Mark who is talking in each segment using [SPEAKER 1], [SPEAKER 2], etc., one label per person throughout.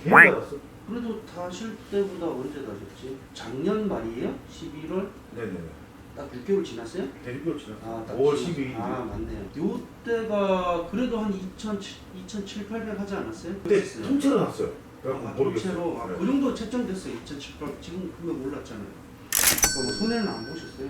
[SPEAKER 1] 받았어?
[SPEAKER 2] 그래도 다실 때보다 언제 다셨지? 작년 말이에요? 11월?
[SPEAKER 1] 네네네.
[SPEAKER 2] 딱 6개월 지났어요?
[SPEAKER 1] 대륙교 지났어.
[SPEAKER 2] 아, 딱
[SPEAKER 1] 5월
[SPEAKER 2] 지금-
[SPEAKER 1] 12일.
[SPEAKER 2] 아, 맞네요. 요때가 그래도 한 2,700, 800 하지 않았어요?
[SPEAKER 1] 그때
[SPEAKER 2] 그랬어요.
[SPEAKER 1] 통째로 났어요. 그래갖고 모르겠어요.
[SPEAKER 2] 통째로
[SPEAKER 1] 네.
[SPEAKER 2] 그 정도 책정됐어요. 2,700. 지금 금액 올랐잖아요. 뭐 손해는 안 보셨어요?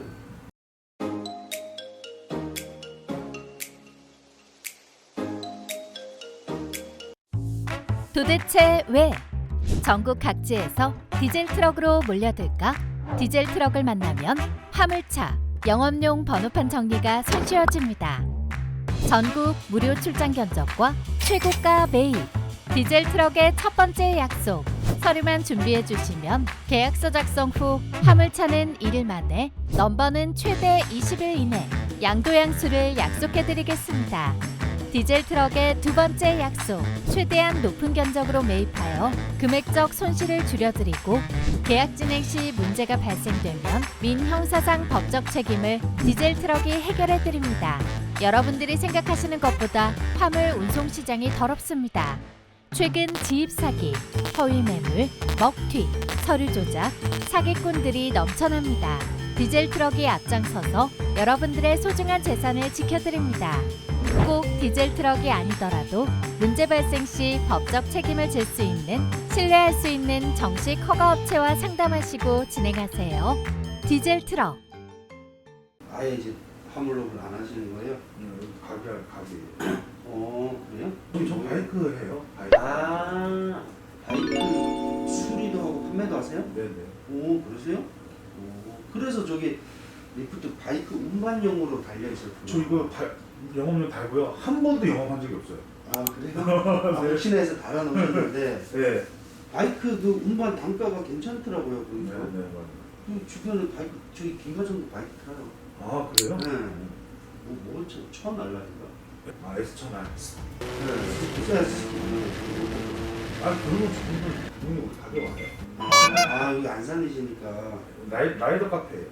[SPEAKER 3] 도대체 왜 전국 각지에서 디젤 트럭으로 몰려들까? 디젤 트럭을 만나면 화물차, 영업용 번호판 정리가 손쉬워집니다. 전국 무료 출장 견적과 최고가 매입. 디젤 트럭의 첫 번째 약속. 서류만 준비해 주시면 계약서 작성 후 화물차는 1일 만에, 넘버는 최대 20일 이내 양도양수를 약속해 드리겠습니다. 디젤 트럭의 두 번째 약속. 최대한 높은 견적으로 매입하여 금액적 손실을 줄여드리고 계약 진행 시 문제가 발생되면 민형사상 법적 책임을 디젤 트럭이 해결해 드립니다. 여러분들이 생각하시는 것보다 화물 운송 시장이 더럽습니다. 최근 지입 사기, 허위 매물, 먹튀, 서류 조작, 사기꾼들이 넘쳐납니다. 디젤 트럭이 앞장서서 여러분들의 소중한 재산을 지켜드립니다. 꼭 디젤 트럭이 아니더라도 문제 발생 시 법적 책임을 질 수 있는, 신뢰할 수 있는 정식 허가 업체와 상담하시고 진행하세요. 디젤 트럭.
[SPEAKER 2] 아예 이제 화물업을 안 하시는 거예요?
[SPEAKER 1] 가게예요.
[SPEAKER 2] 그래요?
[SPEAKER 1] 저 바이크 해요. 바이크.
[SPEAKER 2] 아, 바이크 수리도 하고 판매도 하세요?
[SPEAKER 1] 네네.
[SPEAKER 2] 오, 그러세요? 오, 그래서 저기 리프트 바이크 운반용으로 달려 있었구나.
[SPEAKER 1] 저 이거 영업용 달고요. 한 번도 영업한 적이 없어요.
[SPEAKER 2] 아, 그래요? 아, 혹시나 해서 달아놓으셨는데
[SPEAKER 1] 네.
[SPEAKER 2] 바이크 그 운반 단가가 괜찮더라고요. 보니까.
[SPEAKER 1] 네네 맞아요.
[SPEAKER 2] 그 주변에 바이크, 저기 김과장도 바이크 타요.
[SPEAKER 1] 아 그래요?
[SPEAKER 2] 네. 처음 날라니까.
[SPEAKER 1] 아 S1000R.
[SPEAKER 2] 네. 비싸지.
[SPEAKER 1] 아 그러면 저분들 우리 가게 와요.
[SPEAKER 2] 아, 여기 안 살리시니까.
[SPEAKER 1] 라이더 카페예요.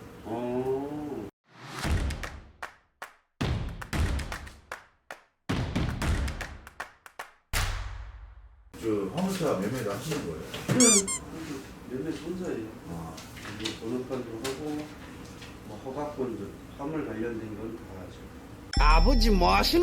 [SPEAKER 1] 저 화물차 매매도 하시는 거예요?
[SPEAKER 2] 몇몇 손사예요.
[SPEAKER 1] 아
[SPEAKER 2] 번호판도 하고, 뭐 허가권도, 화물 관련된 건 다 하죠.
[SPEAKER 4] 아버지 뭐 하시노?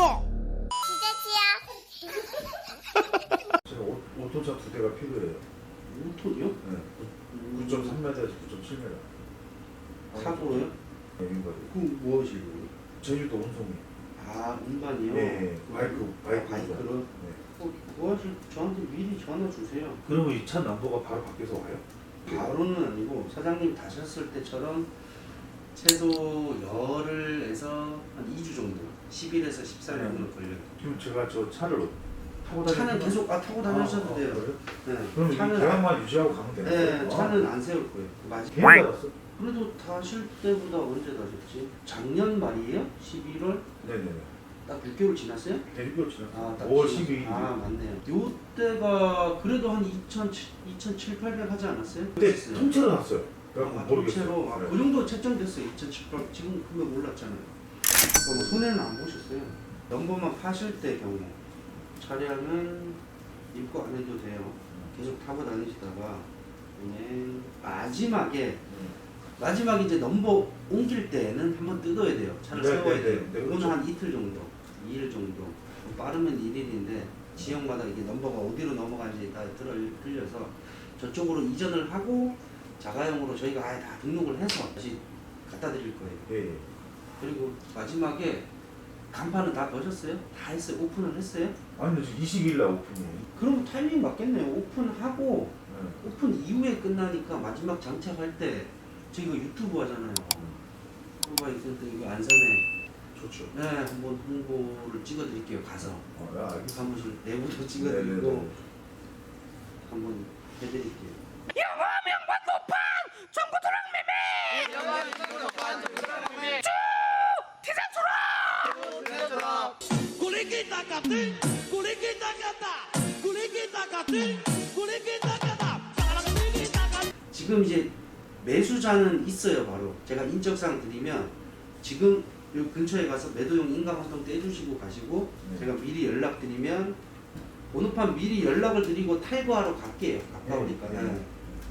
[SPEAKER 1] 제가 오토차 2대가 필요해요.
[SPEAKER 2] 5톤이요?
[SPEAKER 1] 네. 9.3m에서 9.7m.
[SPEAKER 2] 사고로요?
[SPEAKER 1] 네, 이거
[SPEAKER 2] 그럼 뭐 하시려고요?
[SPEAKER 1] 제주도 운송이.
[SPEAKER 2] 아, 운반이요?
[SPEAKER 1] 네, 바이크로.
[SPEAKER 2] 네. 그거 하실, 저한테 미리 전화 주세요.
[SPEAKER 1] 그러면 이 차 넘버가 바로 밖에서 와요?
[SPEAKER 2] 바로는 아니고 사장님 다셨을 때처럼 최소 열흘에서 한 2주 정도, 10일에서 14일 정도 걸려요.
[SPEAKER 1] 지금 제가 저 차를 타고 다니는
[SPEAKER 2] 차는 계속 타고 다니셔도 돼요.
[SPEAKER 1] 그래요?
[SPEAKER 2] 네.
[SPEAKER 1] 그럼 이
[SPEAKER 2] 차는
[SPEAKER 1] 계약만 유지하고 가면 되는
[SPEAKER 2] 네,
[SPEAKER 1] 거예요?
[SPEAKER 2] 차는 안 세울 거예요. 맞아요.
[SPEAKER 1] 계약 받았어?
[SPEAKER 2] 그래도 다실 때보다 언제 다셨지? 작년 말이에요? 11월?
[SPEAKER 1] 네네네.
[SPEAKER 2] 딱 6개월 지났어요?
[SPEAKER 1] 대륙교 지났어.
[SPEAKER 2] 아, 딱
[SPEAKER 1] 5월
[SPEAKER 2] 지금-
[SPEAKER 1] 12일.
[SPEAKER 2] 아, 맞네요. 요때가 그래도 한 2,700 하지 않았어요?
[SPEAKER 1] 그때
[SPEAKER 2] 그랬어요.
[SPEAKER 1] 통째로 났어요. 그래갖고
[SPEAKER 2] 아,
[SPEAKER 1] 모르겠어요.
[SPEAKER 2] 통째로. 아,
[SPEAKER 1] 네.
[SPEAKER 2] 그 정도 책정됐어요. 2,700. 지금 금액 올랐잖아요. 뭐 손해는 안 보셨어요. 넘버만 파실 때 경우 차량은 입고 안 해도 돼요. 계속 타고 다니시다가 그냥 마지막에 이제 넘버 옮길 때는 한번 뜯어야 돼요. 차를
[SPEAKER 1] 네,
[SPEAKER 2] 세워야
[SPEAKER 1] 네,
[SPEAKER 2] 돼요.
[SPEAKER 1] 네, 네,
[SPEAKER 2] 이거는
[SPEAKER 1] 그렇죠.
[SPEAKER 2] 한 이틀 정도, 2일 정도. 빠르면 1일인데 지역마다 이게 넘버가 어디로 넘어가는지 다 틀려서 저쪽으로 이전을 하고 자가용으로 저희가 아예 다 등록을 해서 다시 갖다 드릴 거예요.
[SPEAKER 1] 예, 예.
[SPEAKER 2] 그리고 마지막에 간판은 다 거셨어요? 다 했어요? 오픈을 했어요?
[SPEAKER 1] 아니, 지금 20일 날 오픈이에요.
[SPEAKER 2] 그럼 타이밍 맞겠네요. 오픈하고
[SPEAKER 1] 네.
[SPEAKER 2] 오픈 이후에 끝나니까 마지막 장착할 때 저희가 유튜브 하잖아요. 그거가 있을 때 이거 안산에
[SPEAKER 1] 좋죠.
[SPEAKER 2] 네, 한번 홍보를 찍어드릴게요. 가서
[SPEAKER 1] 알겠습니다.
[SPEAKER 2] 사무실 내부도
[SPEAKER 1] 네네네.
[SPEAKER 2] 찍어드리고 한번 해드릴게요. 지금 이제 매수자는 있어요. 바로 제가 인적사항 드리면 지금 요 근처에 가서 매도용 인감활동 떼주시고 가시고
[SPEAKER 1] 네.
[SPEAKER 2] 제가 미리 연락드리면 번호판 미리 연락을 드리고 탈거하러 갈게요. 가까우니까.
[SPEAKER 1] 네.
[SPEAKER 2] 네.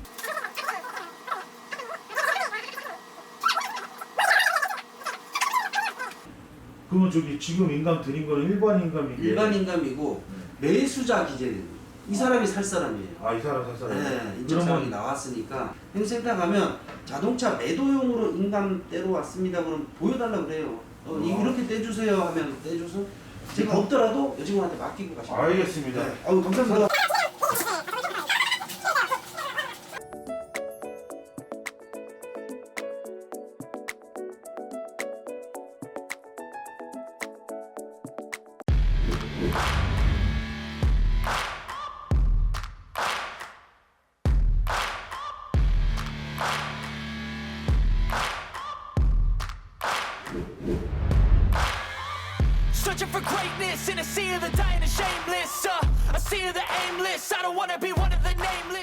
[SPEAKER 1] 그러면 저기 지금 인감 드린 거는 일반 인감이고
[SPEAKER 2] 일반 인감이고 매수자 기재는 이 사람이 살 사람이에요.
[SPEAKER 1] 아이 사람 살 사람.
[SPEAKER 2] 네, 인적사항이 나왔으니까 행센터 가면 자동차 매도용으로 인감 떼러 왔습니다. 그럼 보여달라 그래요. 이렇게 떼주세요 하면 떼줘서 제가 없더라도 여직원한테 맡기고 가시면 돼요.
[SPEAKER 1] 알겠습니다.
[SPEAKER 2] 네. 아유 감사합니다.
[SPEAKER 5] Searching for greatness in a sea of the dying and shameless. A sea of the aimless. I don't wanna be one of the nameless.